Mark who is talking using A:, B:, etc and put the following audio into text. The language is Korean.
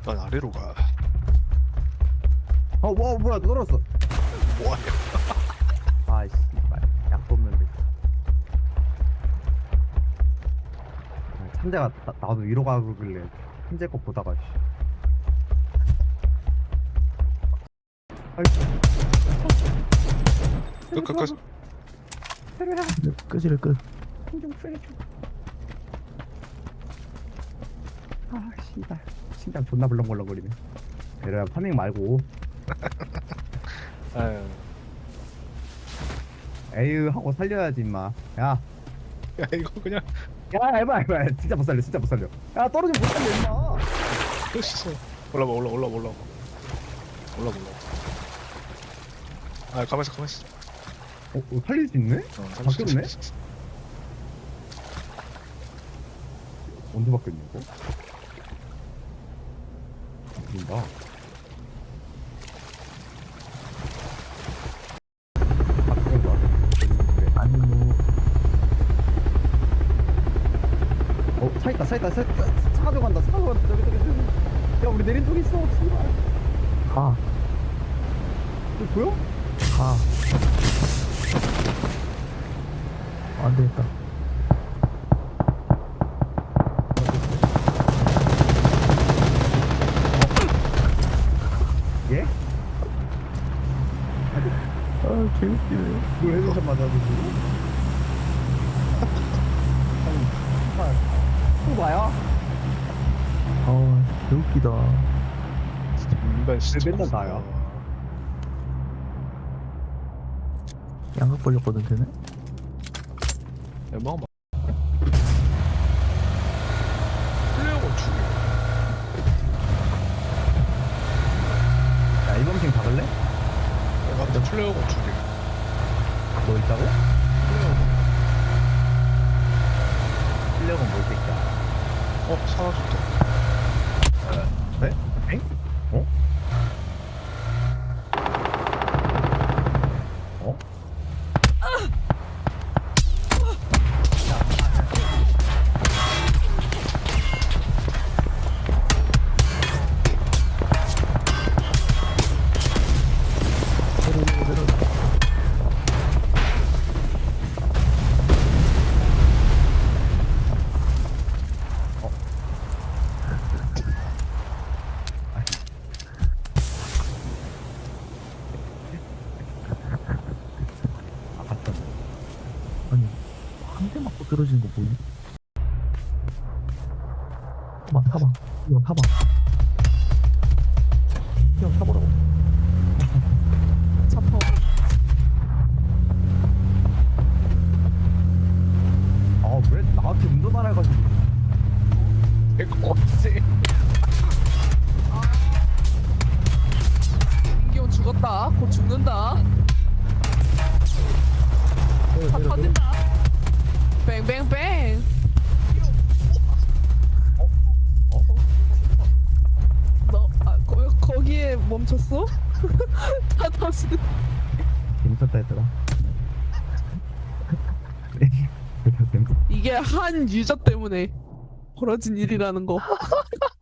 A: 난 아래로 가.
B: 와 뭐야 떨어졌어.
A: 뭐하냐?
B: 아이씨 약도 없는데. 천재가 나도 위로 가길래 천재 거 보다가 씨.
A: 끝.
C: 끝이래 끝.
B: 좀 살려줘. 아 씨발 심장 존나 벌렁벌렁거리네. 베르야 파밍 말고
A: 아유,
B: 에휴 하고 살려야지 임마. 야
A: 야 이거 그냥
B: 에바 진짜 못 살려 진짜 못 살려. 야 떨어지면 못 살려 임마.
A: 끝이어. 올라봐. 아 가만있어.
B: 살릴 수 있네? 바뀌었네? 언제 바뀌었냐 이거? 바뀐다. 바뀐다.
C: 아니 뭐
B: 차 있다. 차 가져간다. 저기. 야 우리 내린 쪽 있어. 씨발.
C: 가.
B: 이거 보여?
C: 가. 안 되겠다.
B: 예?
C: 아 개웃기네.
B: 뭘 헤드샷 맞아가지고. 또 봐요?
C: 아 개웃기다.
A: 인간 진짜.
B: 맨날 나야.
C: 양각 벌렸거든 쟤네.
A: 웬만하면 플레이어건 죽여.
B: 야 이번 팀 박을래?
A: 내가 근데 플레이어건 죽여.
B: 뭐 있다고?
A: 플레이어건.
B: 실력은 뭘 새끼야.
A: 사라졌다.
B: 네? 엥? 어? 어? 아 봤다.
C: 아니 한 대 맞고 떨어지는 거 보이니? 타봐. 이거 타봐. 그냥 타보라고.
D: 잡어.
B: 아 왜 나한테 운전하라 해가지고.
A: 이거 어째?
D: 인기온 죽었다. 곧 죽는다. 다 터진다. 뱅뱅뱅. 너 거기에 멈췄어? 다 터진.
B: 재밌었다 했더라. 재밌었다.
D: 이게 한 유저 때문에 벌어진 일이라는 거.